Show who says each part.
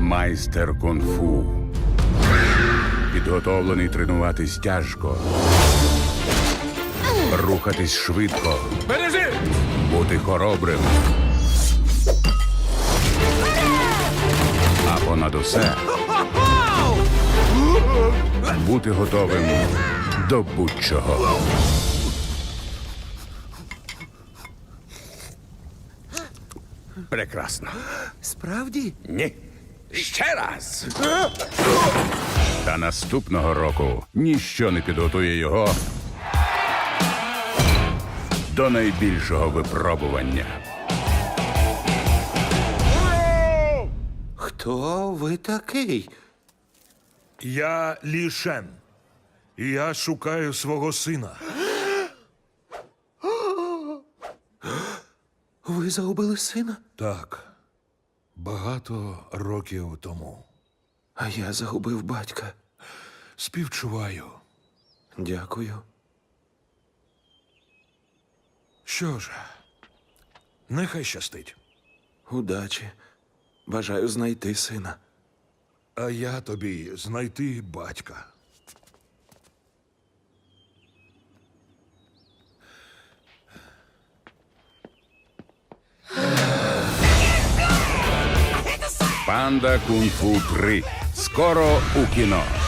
Speaker 1: майстер кунг-фу. Підготовлений тренуватись тяжко. Рухатись швидко.
Speaker 2: Бережи!
Speaker 1: Бути хоробрим. А понад усе бути готовим до будь-чого.
Speaker 2: Прекрасно.
Speaker 3: Справді?
Speaker 2: Ні. Ще раз.
Speaker 1: Та наступного року ніщо не підготує його до найбільшого випробування.
Speaker 3: Хто ви такий?
Speaker 4: Я Лі Шен. І я шукаю свого сина.
Speaker 3: Ви загубили сина?
Speaker 4: Так. Багато років тому.
Speaker 3: А я загубив батька.
Speaker 4: Співчуваю.
Speaker 3: Дякую.
Speaker 4: Що ж, нехай щастить.
Speaker 3: Удачі. Бажаю знайти сина.
Speaker 4: А я тобі знайти батька.
Speaker 1: Панда Кунг-фу 3. Скоро у кіно.